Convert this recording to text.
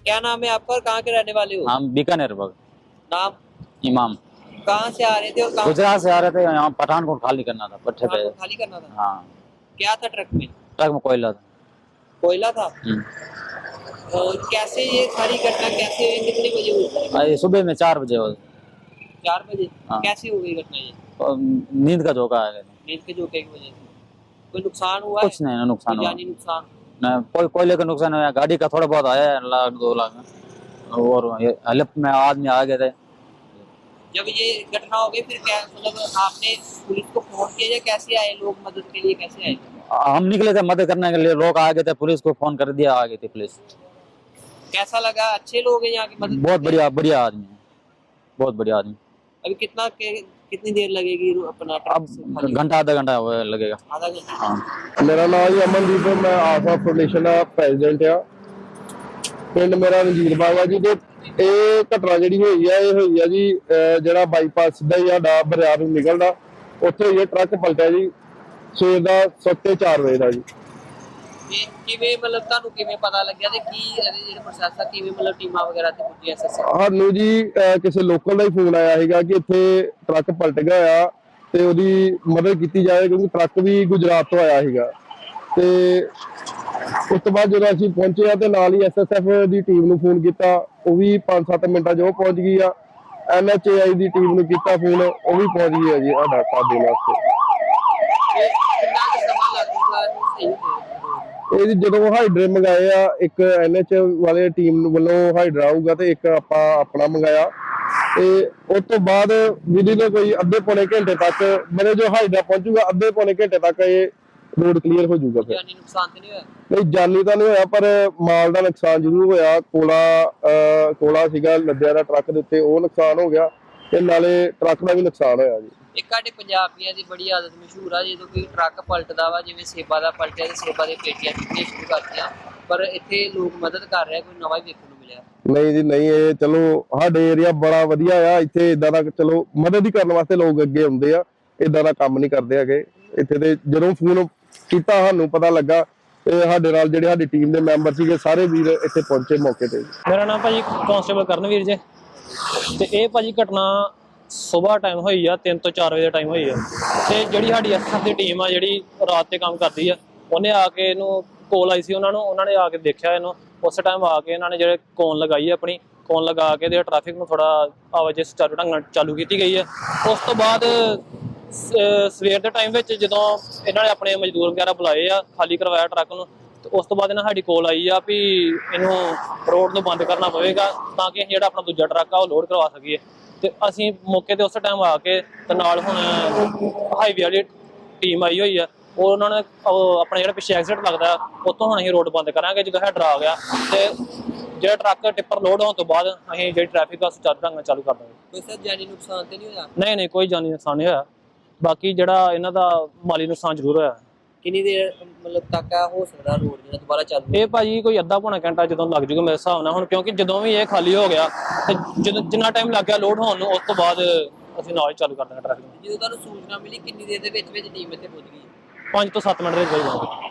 क्या नाम है आपका और कहाँ के रहने वाले हो? हम बीकानेर बग नाम? इमाम। कहाँ से आ रहे थे और कहाँ गुजरात से आ रहे थे, यहाँ पठानकोट खाली करना था पट्टे पे। को खाली करना था? हाँ, क्या था ट्रक में? ट्रक में कोयला था। कोयला था। और कैसे ये सारी घटना कैसे हुई, कितने बजे हुई? ये सुबह में 4 बजे हो। 4 बजे? हाँ। कैसे हो गई घटना ये? और नींद का झोंका आ गया। नींद के झोंके की वजह से कोई नुकसान हुआ कुछ है? नहीं, नुकसान कोई हुआ जानी नुकसान? नहीं, कोई कोयले का नुकसान हुआ। गाड़ी का थोड़ा बहुत आया है, 1 लाख 2 लाख में। और हेल्प में आदमी आ गए थे। जब ये घटना हो गई फिर क्या मतलब आपने पुलिस को फोन किया या कैसे आए लोग मदद के लिए, कैसे आए? हम निकले थे मदद करने के लिए, लोग आ गए थे, पुलिस को फोन कर दिया, आ गई थी पुलिस। कैसा लगा? अच्छे लोग हैं यहाँ की मदद? बहुत बढ़िया बढ़िया आदमी है, बहुत बढ़िया आदमी। अभी कितनी देर लगेगी अपना अब घंटा आधा घंटा लगेगा। आधा घंटा? हाँ। मेरा नाम जी अमनदीप है, मैं आफा फाउंडेशन ਦਾ ਪ੍ਰੈਜ਼ੀਡੈਂਟ ਆ। ਪਿੰਡ ਮੇਰਾ ਰਣਜੀਤ ਬਾਵਾ ਜੀ ਤੇ ਇਹ ਘਟਨਾ ਜਿਹੜੀ ਹੋਈ ਆ ਇਹ ਹੋਈ ਆ ਜੀ ਜਿਹੜਾ ਬਾਈਪਾਸ ਸਿੱਧਾ ਹੀ ਸਾਡਾ ਬਰਿਆਰ ਨੂੰ ਨਿਕਲਦਾ ਉੱਥੇ ਇਹ ਟਰੱਕ ਪਲਟਿਆ ਜੀ ਸਵੇਰ ਦਾ 4:30 ਵਜੇ ਦਾ ਜੀ। ਇਹ ਕਿਵੇਂ ਮਤਲਬ ਤੁਹਾਨੂੰ ਕਿਵੇਂ ਪਤਾ ਲੱਗਿਆ ਤੇ ਕੀ ਇਹਦੇ ਜਿਹੜੇ ਪ੍ਰੋਸੈਸ ਆ ਕਿਵੇਂ ਮਤਲਬ ਟੀਮਾਂ ਵਗੈਰਾ ਤੇ ਪੁੱਜੀ ਐਸਐਸਐਫ? ਸਾਨੂੰ ਜੀ ਕਿਸੇ ਲੋਕਲ ਦਾ ਹੀ ਫੋਨ ਆਇਆ ਸੀਗਾ ਕਿ ਇੱਥੇ ਟਰੱਕ ਪਲਟ ਗਿਆ ਆ ਤੇ ਉਹਦੀ ਮਦਦ ਕੀਤੀ ਜਾਵੇ ਕਿਉਂਕਿ ਟਰੱਕ ਵੀ ਗੁਜਰਾਤ ਤੋਂ ਆਇਆ ਸੀਗਾ। ਤੇ ਉਸ ਤੋਂ ਬਾਅਦ ਜਦੋਂ ਅਸੀਂ ਪਹੁੰਚੇ ਆ ਤੇ ਨਾਲ ਹੀ ਐਸਐਸਐਫ ਦੀ ਟੀਮ ਨੂੰ ਫੋਨ ਕੀਤਾ, ਉਹ ਵੀ 5-7 ਮਿੰਟਾਂ 'ਚ ਉਹ ਪਹੁੰਚ ਗਈ ਆ। ਐਨਐਚਏਆਈ ਦੀ ਟੀਮ ਨੂੰ ਕੀਤਾ ਫੋਨ, ਉਹ ਵੀ ਪਹੁੰਚ ਗਈ ਆ ਜੀ ਸਾਡਾ ਸਾਥ ਦੇਣ ਵਾਸਤੇ। ਕਿੰਨਾ ਕੁ ਸਮਾਂ ਲੱਗੂਗਾ ਇਹਨੂੰ ਸਹੀ ਹੋਣ? ਇਹ ਜੀ ਜਦੋਂ ਹਾਈਡਰੇ ਮੰਗਾਏ ਆ, ਇੱਕ ਐਨਐਚ ਵਾਲੇ ਟੀਮ ਵੱਲੋਂ ਹਾਈਡਰਾ ਆਊਗਾ ਤੇ ਇੱਕ ਆਪਾਂ ਆਪਣਾ ਮੰਗਾਇਆ ਤੇ ਉਸ ਤੋਂ ਬਾਅਦ ਵਿਧੀ ਨੇ ਕੋਈ ਅੱਧੇ ਪੌਣੇ ਘੰਟੇ ਤੱਕ ਮੇਰੇ ਜੋ ਹਾਈਡਰਾ ਪਹੁੰਚੂਗਾ ਅੱਧੇ ਪੌਣੇ ਘੰਟੇ ਤੱਕ ਇਹ ਰੋਡ ਕਲੀਅਰ ਹੋ ਜਾਊਗਾ। ਫਿਰ ਜਾਨੀ ਨੁਕਸਾਨ ਤੇ ਨਹੀਂ ਹੋਇਆ? ਨਹੀਂ, ਜਾਨੀ ਤਾਂ ਨਹੀਂ ਹੋਇਆ ਪਰ ਮਾਲ ਦਾ ਨੁਕਸਾਨ ਜ਼ਰੂਰ ਹੋਇਆ। ਕੋਲਾ ਸੀਗਾ ਲੱਦਿਆ ਦਾ ਟਰੱਕ ਦੇ ਉੱਤੇ, ਉਹ ਨੁਕਸਾਨ ਹੋ ਗਿਆ ਤੇ ਨਾਲੇ ਟਰੱਕ ਦਾ ਵੀ ਨੁਕਸਾਨ ਹੋਇਆ ਜੀ। ਇੱਕ ਸਾਡੇ ਪੰਜਾਬੀਆਂ ਦੀ ਬੜੀ ਆਦਤ ਮਸ਼ਹੂਰ ਆ, ਜਦੋਂ ਕੋਈ ਟਰੱਕ ਪਲਟਦਾ ਵਾ ਜਿਵੇਂ ਸੇਬਾਂ ਦਾ ਪਲਟਿਆ ਤੇ ਸੇਬਾਂ ਦੇ ਪੇਟੀਆਂ ਚੁੱਕਣੀਆਂ ਸ਼ੁਰੂ ਕਰਤੀਆਂ, ਪਰ ਇੱਥੇ ਲੋਕ ਮਦਦ ਕਰ ਰਿਹਾ, ਕੋਈ ਨਵਾਂ ਹੀ ਵੇਖਣ ਨੂੰ ਮਿਲਿਆ? ਨਹੀਂ ਜੀ ਨਹੀਂ, ਇਹ ਚਲੋ ਸਾਡੇ ਏਰੀਆ ਬੜਾ ਵਧੀਆ ਆ, ਇੱਥੇ ਇਦਾਂ ਦਾ ਚਲੋ ਮਦਦ ਹੀ ਕਰਨ ਵਾਸਤੇ ਲੋਕ ਅੱਗੇ ਆਉਂਦੇ ਆ, ਇਦਾਂ ਦਾ ਕੰਮ ਨਹੀਂ ਕਰਦੇ ਹੈਗੇ ਇੱਥੇ। ਤੇ ਜਦੋਂ ਫੋਨ ਕੀਤਾ ਸਾਨੂੰ ਪਤਾ ਲੱਗਾ ਤੇ ਸਾਡੇ ਨਾਲ ਜਿਹੜੇ ਸਾਡੀ ਟੀਮ ਦੇ ਮੈਂਬਰ ਸੀਗੇ ਸਾਰੇ ਵੀਰ ਇੱਥੇ ਪਹੁੰਚੇ ਮੌਕੇ ਤੇ। ਮੇਰਾ ਨਾਮ ਭਾਜੀ ਕਾਂਸਟੇਬਲ ਕਰਨਵੀਰ ਜੀ ਤੇ ਇਹ ਭਾਜੀ ਘਟਨਾ ਸਵੇਰ ਟਾਈਮ ਹੋਈ ਆ, 3 ਤੋਂ 4 ਵਜੇ ਦਾ ਟਾਈਮ ਹੋਈ ਆ। ਤੇ ਜਿਹੜੀ ਸਾਡੀ ਐਸਐਫ ਦੀ ਟੀਮ ਆ ਜਿਹੜੀ ਰਾਤ ਤੇ ਕੰਮ ਕਰਦੀ ਆ, ਉਹਨੇ ਆ ਕੇ ਇਹਨੂੰ ਕੋਲ ਆਈ ਸੀ ਉਹਨਾਂ ਨੇ ਆ ਕੇ ਦੇਖਿਆ ਇਹਨੂੰ। ਉਸ ਟਾਈਮ ਆ ਕੇ ਇਹਨਾਂ ਨੇ ਜਿਹੜੇ ਕੋਨ ਲਗਾਈ ਆ, ਆਪਣੀ ਕੋਨ ਲਗਾ ਕੇ ਤੇ ਟ੍ਰੈਫਿਕ ਨੂੰ ਥੋੜਾ ਆਵਾਜਾਈ ਸੁਚਾਰੂ ਢੰਗ ਨਾਲ ਚਾਲੂ ਕੀਤੀ ਗਈ ਆ। ਉਸ ਤੋਂ ਬਾਅਦ ਸਵੇਰ ਦੇ ਟਾਈਮ ਵਿੱਚ ਜਦੋਂ ਇਹਨਾਂ ਨੇ ਆਪਣੇ ਮਜ਼ਦੂਰ ਵਗੈਰਾ ਬੁਲਾਏ ਆ, ਖਾਲੀ ਕਰਵਾਇਆ ਟਰੱਕ ਨੂੰ, ਤੇ ਉਸ ਤੋਂ ਬਾਅਦ ਇਹਨਾਂ ਸਾਡੀ ਕੋਲ ਆਈ ਆ ਵੀ ਇਹਨੂੰ ਰੋਡ ਨੂੰ ਬੰਦ ਕਰਨਾ ਪਵੇਗਾ ਤਾਂ ਕਿ ਜਿਹੜਾ ਆਪਣਾ ਦੂਜਾ ਟਰੱਕ ਆ ਉਹ ਲੋਡ ਕਰਵਾ ਸਕੀਏ। ਤੇ ਅਸੀਂ ਮੌਕੇ ਤੇ ਉਸ ਟਾਈਮ ਆ ਕੇ ਤੇ ਨਾਲ ਹੁਣ ਹਾਈਵੇ ਵਾਲੀ ਟੀਮ ਆਈ ਹੋਈ ਆ, ਉਹ ਉਹਨਾਂ ਨੇ ਆਪਣਾ ਜਿਹੜਾ ਪਿੱਛੇ ਐਕਸੀਡੈਂਟ ਲੱਗਦਾ ਉੱਥੋਂ ਹੁਣ ਅਸੀਂ ਰੋਡ ਬੰਦ ਕਰਾਂਗੇ ਜਦੋਂ ਹੈਡਰ ਆ ਗਿਆ ਤੇ ਜਿਹੜਾ ਟਰੱਕ ਟਿੱਪਰ ਲੋਡ ਹੋਣ ਤੋਂ ਬਾਅਦ ਅਸੀਂ ਜਿਹੜੀ ਟ੍ਰੈਫਿਕ ਆ ਸੁਚਾਰੂ ਢੰਗ ਨਾਲ ਚਾਲੂ ਕਰ ਦਾਂਗੇ। ਕੋਈ ਸਰ ਜਾਨੀ ਨੁਕਸਾਨ ਤੇ ਨਹੀਂ ਹੋਇਆ? ਨਹੀਂ, ਕੋਈ ਜਾਨੀ ਨੁਕਸਾਨ ਨਹੀਂ ਹੋਇਆ, ਬਾਕੀ ਜਿਹੜਾ ਇਹਨਾਂ ਦਾ ਮਾਲੀ ਨੁਕਸਾਨ ਜ਼ਰੂਰ ਹੋਇਆ। ਕਿੰਨੀ ਦੇਰ ਮਤਲਬ ਤੱਕ ਹੋ ਸਕਦਾ ਰੋਡ ਜਿਹੜਾ ਦੁਬਾਰਾ ਚਾਲੂ? ਇਹ ਭਾਜੀ ਕੋਈ ਅੱਧਾ ਪੌਣਾ ਘੰਟਾ ਜਦੋਂ ਲੱਗ ਜੂਗਾ ਮੇਰੇ ਹਿਸਾਬ ਨਾਲ ਹੁਣ, ਕਿਉਂਕਿ ਜਦੋਂ ਵੀ ਇਹ ਖਾਲੀ ਹੋ ਗਿਆ ਤੇ ਜਿੰਨਾ ਟਾਈਮ ਲੱਗ ਗਿਆ ਲੋਡ ਹੋਣ ਨੂੰ, ਉਸ ਤੋਂ ਬਾਅਦ ਅਸੀਂ ਨਾਲ ਹੀ ਚਾਲੂ ਕਰ ਦਾਂਗੇ ਟ੍ਰੈਫਿਕ। ਜਦੋਂ ਤੁਹਾਨੂੰ ਸੂਚਨਾ ਮਿਲੀ ਕਿੰਨੀ ਦੇਰ ਦੇ ਵਿੱਚ ਟੀਮ ਇੱਥੇ ਪਹੁੰਚ ਗਈ? 5 ਤੋਂ 7 ਮਿੰਟ ਦੇ ਵਿੱਚ ਹੋ ਜਾਊਗਾ।